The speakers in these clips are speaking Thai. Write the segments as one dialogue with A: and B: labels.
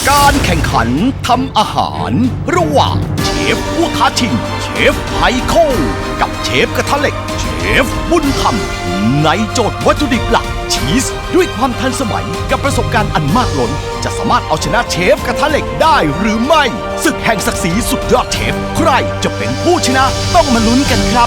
A: การแข่งขันทำอาหารระหว่างเชฟผู้ท้าชิงเชฟไฮโคกับเชฟกระทะเหล็กเชฟบุญธรรมในโจทย์วัตถุดิบหลักชีสด้วยความทันสมัยกับประสบการณ์อันมากล้นจะสามารถเอาชนะเชฟกระทะเหล็กได้หรือไม่ศึกแห่งศักดิ์ศรีสุดยอดเชฟใครจะเป็นผู้ชนะต้องมาลุ้นกันครับ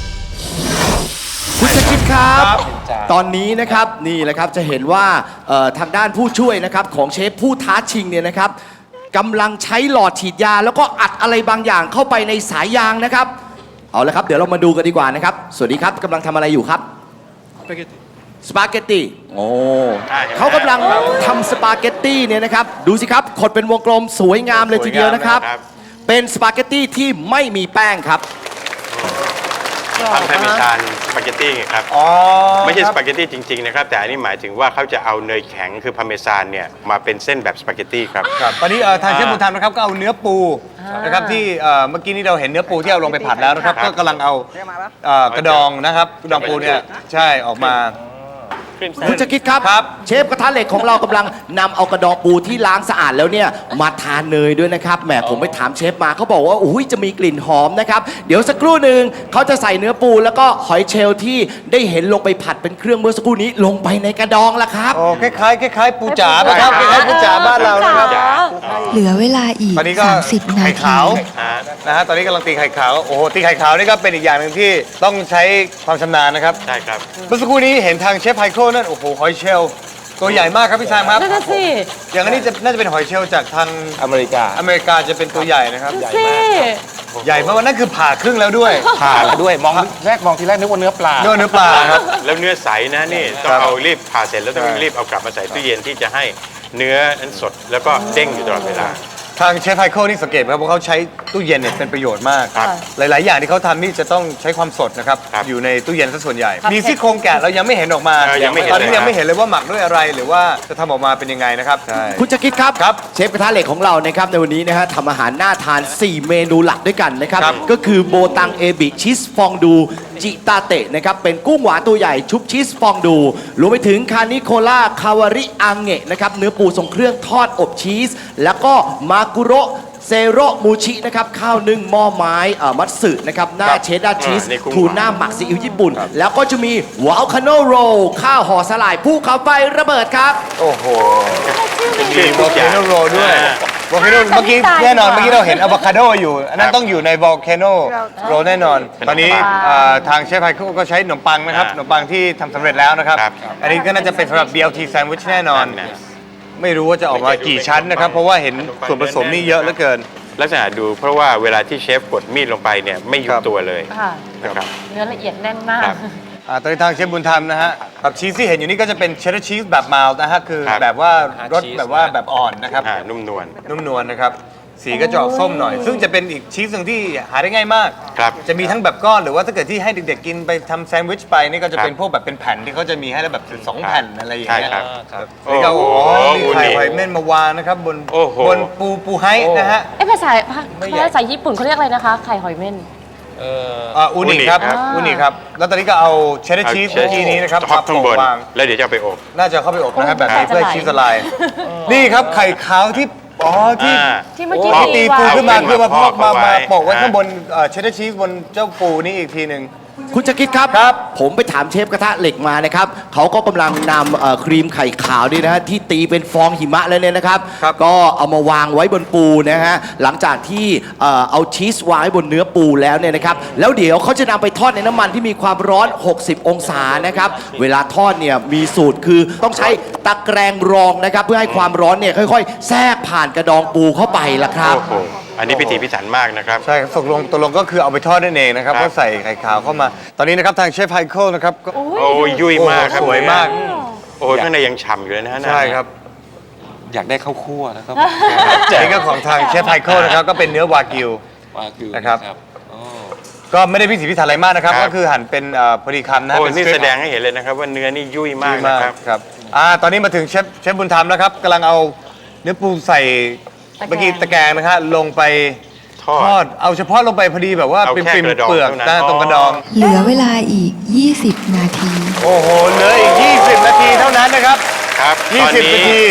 A: คุณสกิดครับ ตอนนี้นะครับนี่แหละครับจะเห็นว่าทางด้านผู้ช่วยนะครับของเชฟผู้ท้าชิงเนี่ยนะครับกำลังใช้หลอดฉีดยาแล้วก็อัดอะไรบางอย่างเข้าไปในสายยางนะครับเอาละครับเดี๋ยวเรามาดูกันดีกว่านะครับสวัสดีครับกำลังทำอะไรอยู่ครับสปาเกตตี้โอ้เขากำลังทำสปาเกตตี้เนี่ยนะครับดูสิครับขดเป็นวงกลมสวยงามเลยทีเดียวนะครับเป็นสปาเกตตี้ที่ไม่มีแป้งครับ
B: ทำพาร์เมซานสปาเกตตี้ไงครับไม่ใช่สปาเกตตี้จริงๆนะครับแต่อันนี้หมายถึงว่าเขาจะเอาเนยแข็งคือพาร์เมซานเนี่ยมาเป็นเส้นแบบสปาเกตตี้ครับ
C: ตอนนี้ทางเชฟบุญธรรมนะครับก็เอาเนื้อปูนะครับที่เมื่อกี้นี้เราเห็นเนื้อปูที่เอาลงไปผัดแล้วนะครับก็กำลังเอากระดองนะครับกระดองปูเนี่ยใช่ออกมา
A: คุณจะคิดครับเชฟกระทะเหล็กของเรากำลังนำเอากระดองปูที่ล้างสะอาดแล้วเนี่ยมาทานเนยด้วยนะครับแหมผมไปถามเชฟมาเขาบอกว่าอุ้ยจะมีกลิ่นหอมนะครับเดี๋ยวสักครู่หนึ่งเขาจะใส่เนื้อปูแล้วก็หอยเชลล์ที่ได้เห็นลงไปผัดเป็นเครื่องเมื่อสักครู่นี้ลงไปในกระดองละครับ
C: โอ้คล้ายปูจ๋านะครับคล้ายปูจ๋าบ้านเรานะครับ
D: เหลือเวลาอีก30 นาที
C: นะฮะตอนนี้กำลังตีไข่ขาวโอ้โหตีไข่ขาวนี่ก็เป็นอีกอย่างหนึ่งที่ต้องใช้ความชำนาญนะครับ
B: ใช่ครับ
C: เมื่อสักครู่นี้เห็นทางเชฟไฮโคนั่นโอ้โหหอยเชลล์ตัวใหญ่มากครับพี่ชายครับ
E: นั่นสิ
C: อย่างนี้น่าจะเป็นหอยเชลล์จากทาง
F: อเมริกา
C: จะเป็นตัวใหญ่นะครับ
E: ใหญ่มาก
C: ใหญ่เพราะว่านั่นคือผ่าครึ่งแล้วด้วย
F: ผ่าด้วยมองทีแรกนึกว่าเนื้อปลา
C: เนื้อปลาครับ
B: แล้วเนื้อใสนะนี่ต้องเอารีบผ่าเสร็จแล้วต้องรีบเอากลับมาใส่ตู้เย็นที่จะให้เนื้อนั้นสดแล้วก็เด้งอยู่ตลอดเวลา
C: ทางเชฟไฮโคนี่สังเกตไหมครับว่าเขาใช้ตู้เย็นเนี่ยเป็นประโยชน์มากหลายๆอย่างที่เขาทำนี่จะต้องใช้ความสดนะครับอยู่ในตู้เย็นซะส่วนใหญ่มีซี่โครงแกะเรายังไม่เห็นออกมาตอนนี้ยังไม่เห็นเลยว่าหมักด้วยอะไรหรือว่าจะทำออกมาเป็นยังไงนะครับ
A: คุณจะคิดครับเชฟกระทะเหล็กของเรานะครับในวันนี้นะฮะทำอาหารน่าทาน4เมนูหลักด้วยกันนะครับก็คือโบตังเอบิชีสฟองดูจิตาเตะนะครับเป็นกุ้งหวานตัวใหญ่ชุบชีสฟองดูรวมไปถึงคานิโคล่าคาวาริอังเงะนะครับเนื้อปูทรงเครื่องทอดอบชีสแล้วก็มากุโรเซโรมูชินะครับข้าวนึ่งหม้อไม้มัตสึนะครับหน้าเชดดาร์ชีสทูน่าหมักซีอิ๊วญี่ปุ่นแล้วก็จะมีวอลคาโนโรข้าวห่อสลายภูเขาไฟระเบิดครับ
C: โอ้โหมีวอลคาโนโรด้วยวอลคาโนเมื่อกี้แน่นอนเมื่อกี้เราเห็นอะโวคาโดอยู่อันนั้นต้องอยู่ในวอลคาโนโรแน่นอนตอนนี้ทางเชฟไฮโคก็ใช้ขนมปังนะครับขนมปังที่ทำสำเร็จแล้วนะครับอันนี้ก็น่าจะเป็นสำหรับ BLT แซนด์วิชแน่นอนไม่รู้ว่าจะออกมากี่ชั้นนะครับเพราะว่าเห็นส่วนผสมนี่เยอะเหลือเกิน
B: ลักษณะดูเพราะว่าเวลาที่เชฟกดมีดลงไปเนี่ยไม่ยุบตัวเลยนะครับ
E: เนื้อละเอียดแน่นมาก
C: ตอนนี้ทางเชฟบุญธรรมนะฮะกับชีสที่เห็นอยู่นี่ก็จะเป็นเชดดาร์ชีสแบบมายล์นะฮะคือแบบว่ารสแบบว่าแบบอ่อนนะครับ
B: นุ่มน
C: วลนะครับสีก็จะออกส้มหน่อยซึ่งจะเป็นอีกชีสหนึ่งที่หาได้ง่ายมากจะมีทั้งแบบก้อนหรือว่าถ้าเกิดที่ให้เด็กๆกินไปทำแซนด์วิชไปนี่ก็จะเป็นพวกแบบเป็นแผ่นที่เขาจะมีให้แล้วแบบ2แผ่นอะไรอย่างเงี้ยนี่ก็โอ้โหมีไข่หอยเม่นมาวางนะครับบนปูไฮนะฮะ
E: ภาษาญี่ปุ่นเขาเรียกอะไรนะคะไข่หอยเม่น
C: อูนิครับแล้วตอนนี้ก็เอาเชดดาร์ชีสที่นี้นะครับ
B: มาโปะวางแล้วเดี๋ยวจะไปอบ
C: น่าจะเข้าไปอบนะครับแบบนี้เพื่อชีสละลายนี่ครับไข่ขาวที่
E: ที่เมื่อกี้
C: ตีปูขึ้นมาคือมาพอกมาโปะไว้ข้างบนเชดดาร์ชีสบนเจ้าปูนี่อีกทีหนึ่ง
A: คุณจะคิดครับผมไปถามเชฟกระทะเหล็กมานะครับเขาก็กำลังนำครีมไข่ขาวนี่นะฮะที่ตีเป็นฟองหิมะแล้วเนี่ยนะครับก็เอามาวางไว้บนปูนะฮะหลังจากที่เอาชีสวางไว้บนเนื้อปูแล้วเนี่ยนะครับแล้วเดี๋ยวเขาจะนำไปทอดในน้ำมันที่มีความร้อน60องศานะครับเวลาทอดเนี่ยมีสูตรคือต้องใช้ตะแกรงรองนะครับเพื่อให้ความร้อนเนี่ยค่อยๆแทรกผ่านกระดองปูเข้าไปละครับ
B: อันนี้พิถีพิถันมากนะครับ
C: ใช่ตกลงก็คือเอาไปทอดนั่นเองนะครับก็ใส่ไข่ขาวเข้ามาตอนนี้นะครับทางเชฟไฮโคนะครับ
B: โอ้ยยุ่ยมาก
C: สวยมาก
B: โอ้ข้างในยังฉ่ำอยู่เลยนะ
C: ใช่ครับ
F: อยากได้ข้าวคั่วนะครับ
C: นี่ก็ของทางเชฟไฮโคนะครับก็เป็นเนื้อวากิวนะครับก็ไม่ได้พิถีพิถันอะไรมากนะครับก็คือหั่นเป็นพอดีคำนะ
B: โอ้นี่แสดงให้เห็นเลยนะครับว่าเนื้อนี่ยุ่ยมาก
C: นะครับตอนนี้มาถึงเชฟบุญธรรมนะครับกำลังเอาเนื้อปูใส่เมื่อกี้ตะแกรงนะฮะลงไปทอดเอาเฉพาะลงไปพอดีแบบว่าเป็นปิ่มเปลือกตรงกระดอง
D: เหลือเวลาอีก20 นาที
C: โอ้โหเหลืออีก20 นาทีเท่านั้นนะครับ20 นาทีเช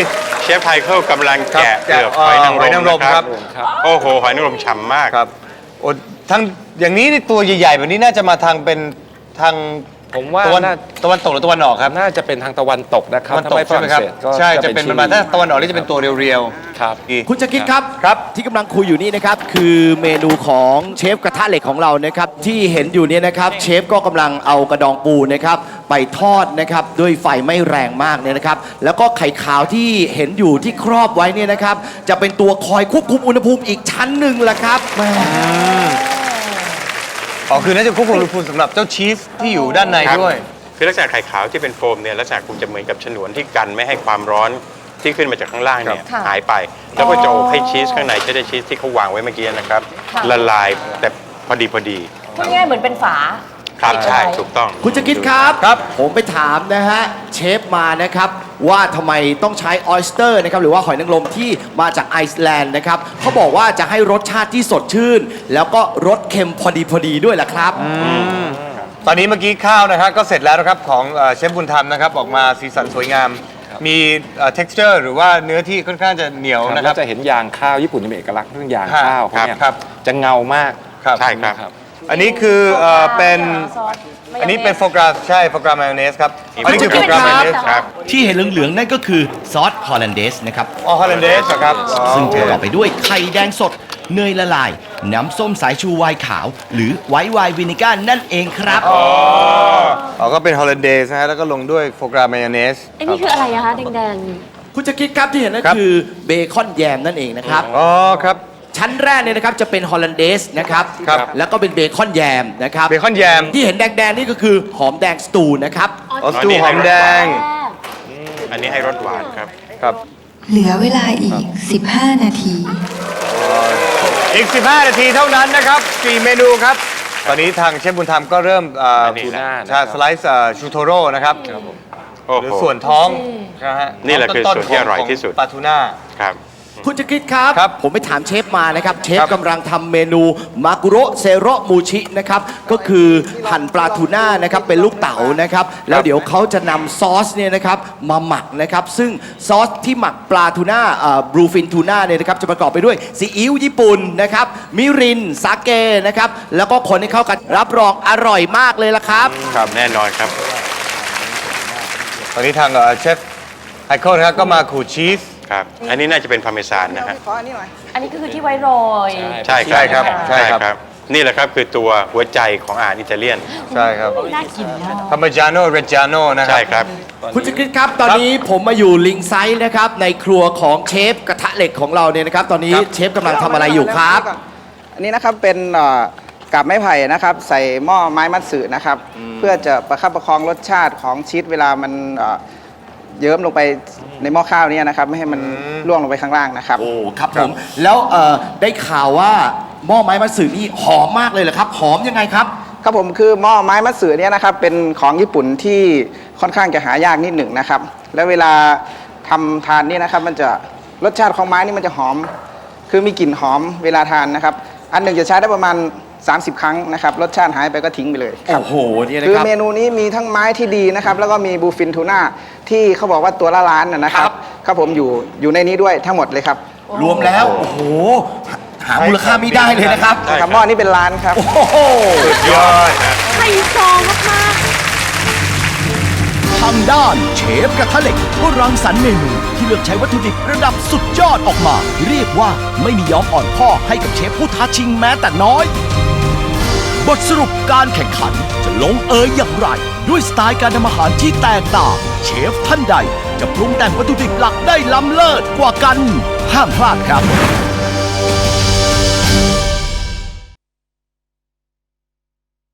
B: เชฟไพเคิลกำลังแกะเปลือกหอยนางรมนะครับ โอ้โห หอยนางรมฉ่ำมาก
C: ครับโอ้ทั้งอย่างนี้นี่ตัวใหญ่ๆแบบนี้น่าจะมาทางเป็นทาง
F: ผมว่า
C: ตะวันตกหรือตะวันออกครับ
F: น่าจะเป็นทางตะวันตกนะครับ
C: ตะวันตก
F: ถ้าไม่ฝ
C: ใช่ไหม
F: รั่ง
C: ครับ
F: เศสก็
C: ใช่จะเป็นประมาณถ้าตะวันออกนี่จะเป็นตัวเรียว
F: ครับ
C: ๆดี
A: คุณจะคิดครับ
C: ครับ
A: ที่กำลังคุยอยู่นี่นะครับคือเมนูของเชฟกระทะเหล็กของเรานะครับที่เห็นอยู่เนี่ยนะครับเชฟก็กำลังเอากระดองปูนะครับไปทอดนะครับด้วยไฟไม่แรงมากเนี่ยนะครับแล้วก็ไข่ขาวที่เห็นอยู่ที่ครอบไว้เนี่ยนะครับจะเป็นตัวคอยควบคุมอุณหภูมิอีกชั้นหนึ่งละครับแหม
C: อ๋อคือน่าจะควบคุมอุณหภูมิสำหรับเจ้าชีสที่อยู่ด้านใน
B: ครับ
C: ด้วย
B: คือลักษณะไข่ขาวที่เป็นโฟมเนี่ยลักษณะคงจะเหมือนกับฉนวนที่กันไม่ให้ความร้อนที่ขึ้นมาจากข้างล่างเนี่ย
E: ค่ะ
B: หายไป แล้วก็จะอบให้ชีสข้างในจะได้ชีสที่เขาวางไว้เมื่อกี้นะครับ
E: ค่ะ
B: ละลายแต่พอดีพอดี
E: พูดง่ายๆเหมือนเป็นฝา
B: ครับ
E: ปิด
B: ใช่
E: เอาไว้
B: ถูกต้อง
A: คุณจะคิดครับ
C: ครับ
A: ผมไปถามนะฮะเชฟมานะครับว่าทำไมต้องใช้ออยสเตอร์นะครับหรือว่าหอยนางรมที่มาจากไอซ์แลนด์นะครับเขาบอกว่าจะให้รสชาติที่สดชื่น แล้วก็รสเค็มพอดีด้วยล่ะครับ
C: ตอนนี้เมื่อกี้ข้าวนะครับก็เสร็จแล้วนะครับของเชฟบุญธรรมนะครับออกมาสีสันสวยงาม มีtexture หรือว่าเนื้อที่ค่อนข้างจะเหนียว
F: นะ
C: นะ
F: ค
C: ค
F: รั
C: รั
F: บบ จะเห็นยางข้าวญี่ปุ่นจะมีเอกลักษณ์เรื่องยาง
C: ครับ
F: ข้าวเขาเนี่ย
C: ครับ
F: จะเงามาก
C: ครับ
B: ใช่ครับ
F: ครับ
C: อันนี้คือเป็น
E: ซอสมายองเนส
C: อันนี้เป็นโฟกราใช่โฟกรามายองเนสครับ อันนี้คือโฟกรามายองเนส
B: ครับ
A: ที่เห็นเหลืองๆนั่นก็คือซอสฮอลแลนเดสนะครับ
C: อ๋อฮอลแลนเดสครับ
A: ซึ่งประกอบไปด้วยไข่แดงสด เนยละลาย น้ำส้มสายชูไวน์ขาว หรือไวท์ไวน์วินิก้านั่นเองครับ
C: อ๋อก็เป็นฮอลแลนเดสนะฮะแล้วก็ลงด้วยโฟกรามายองเนส
E: ไอ้นี่คืออะไรอะคะแดง
A: คุณจะคิดครับที่เห็นนั่น
C: ครับ
A: คือเบคอนแยมนั่นเองนะครับ
C: อ๋อครับ
A: ชั้นแรกเนี่ยนะครับจะเป็นฮอลแลนเดสนะครับ
C: ครับ
A: แล้วก็เป็นเบคอนแยมนะครับ
C: เบคอนแยม
A: ที่เห็นแดงๆนี่ก็คือหอมแดงสตูนะครับ
C: ออสตูหอมแดง
B: อันนี้ให้รสหวานครับ
C: ครับ
D: เหลือเวลาอีก 15 นาที
C: อีก 15 นาทีเท่านั้นนะครับ 4 เมนูครับ ตอนนี้ทางเชฟบุญธรรมก็เริ่ม
B: อันนี้
F: ทูน่า
C: ชาสไลซ์ชูโทโร่นะครับ
B: โอ้
C: หรือ
B: โห
C: ส่วนท้องนะฮะ
B: นี่แหละคือ
C: ต้
B: ส่วนที่อร่อยที่สุด
C: ของปลาทูน่า
B: ครับ
A: คุณจะคิดครับ
C: ครับ
A: ผมไปถามเชฟมานะครับ เชฟ
C: ครับ
A: กำลังทำเมนูมากุโรเซโรมูชินะครับ ก็คือหั่นปลาทูน่านะครับเป็นลูกเต๋านะครับ แล้วเดี๋ยวเขาจะนำซอสเนี่ยนะครับมาหมักนะครับ ซึ่งซอสที่หมักปลาทูน่าบลูฟินทูน่าเนี่ยนะครับจะประกอบไปด้วยซีอิ๊วญี่ปุ่นนะครับมิรินสาเกนะครับ แล้วก็คนให้เข้ากันรับรองอร่อยมากเลยละครับ
B: ครับแน่นอนครับ
C: ตอนนี้ทางเชฟไอคอนนะครับก็มาขูดชีส
B: ครับ อันนี้น่าจะเป็นพาร์เมซานนะฮะ
E: ๆ อันนี้ก็คือที่ไว้โรย
B: ใช่
C: ใช่ครับใช่ครับ
B: นี่แหละครับคือตัวหัวใจของอาหารอิตาเลียน
C: ใช่ครับ
E: น่ากินมาก
C: พาร์เมจาโน่เรจาโน่นะครั
B: ใช่ครับ
A: คุณจะคิดครับ ตอนนี้ผมมาอยู่ลิงไซด์นะครับในครัวของเชฟกระทะเหล็กของเราเนี่ยนะครับ ตอนนี้เชฟกำลังทำอะไรอยู่ครับ
G: อันนี้นะครับเป็นกาบไม้ไผ่นะครับ ใส่หม้อไม้มัตสึนะครับ เพื่อจะประคับประคองรสชาติของชีสเวลามันเยิ้มลงไปในหม้อข้าวเนี่ยนะครับ ไม่ให้มันล่วงลงไปข้างล่างนะครับ
A: โอ้ครับผมแล้วได้ข่าวว่าหม้อไม้มัตสึนี่หอมมากเลยเหรอครับ หอมยังไงครับ
G: ครับผมคือหม้อไม้มัตสึเนี่ยนะครับเป็นของญี่ปุ่นที่ค่อนข้างจะหายากนิดหนึ่งนะครับ แล้วเวลาทำทานนี่นะครับมันจะรสชาติของไม้นี่มันจะหอม คือมีกลิ่นหอมเวลาทานนะครับ อันหนึ่งจะใช้ได้ประมาณ 30 ครั้งนะครับรสชาติหายไปก็ทิ้งไปเลยครับ
A: โอ้โหเนี่ยนะ
G: คือ
A: ครับ
G: เมนูนี้มีทั้งไม้ที่ดีนะครับ แล้วก็มีบูฟินทูน่าที่เขาบอกว่าตัวละล้านนะครั
A: ครับ บ
G: ครับผมอยู่ในนี้ด้วยทั้งหมดเลยครับ
A: รวมแล้ว โอ้โห หามูลค่าไม่ได้เลยนะครับ
B: ใช่ครับ
G: ครับหม้อนี้เป็นล้านครับ
A: โอ้โห
C: ยอด
E: ไฮโซมาก
H: ทางด้านเชฟกระทะเหล็กก็รังสรรค์เมนูที่เลือกใช้วัตถุดิบระดับสุดยอดออกมา เรียกว่าไม่มียอมอ่อนข้อให้กับเชฟผู้ท้าชิงแม้แต่น้อย บทสรุปการแข่งขันจะลงเอยอย่างไร ด้วยสไตล์การทำอาหารที่แตกต่าง เชฟท่านใดจะปรุงแต่งวัตถุดิบหลักได้ล้ำเลิศกว่ากัน ห้ามพลาดครับ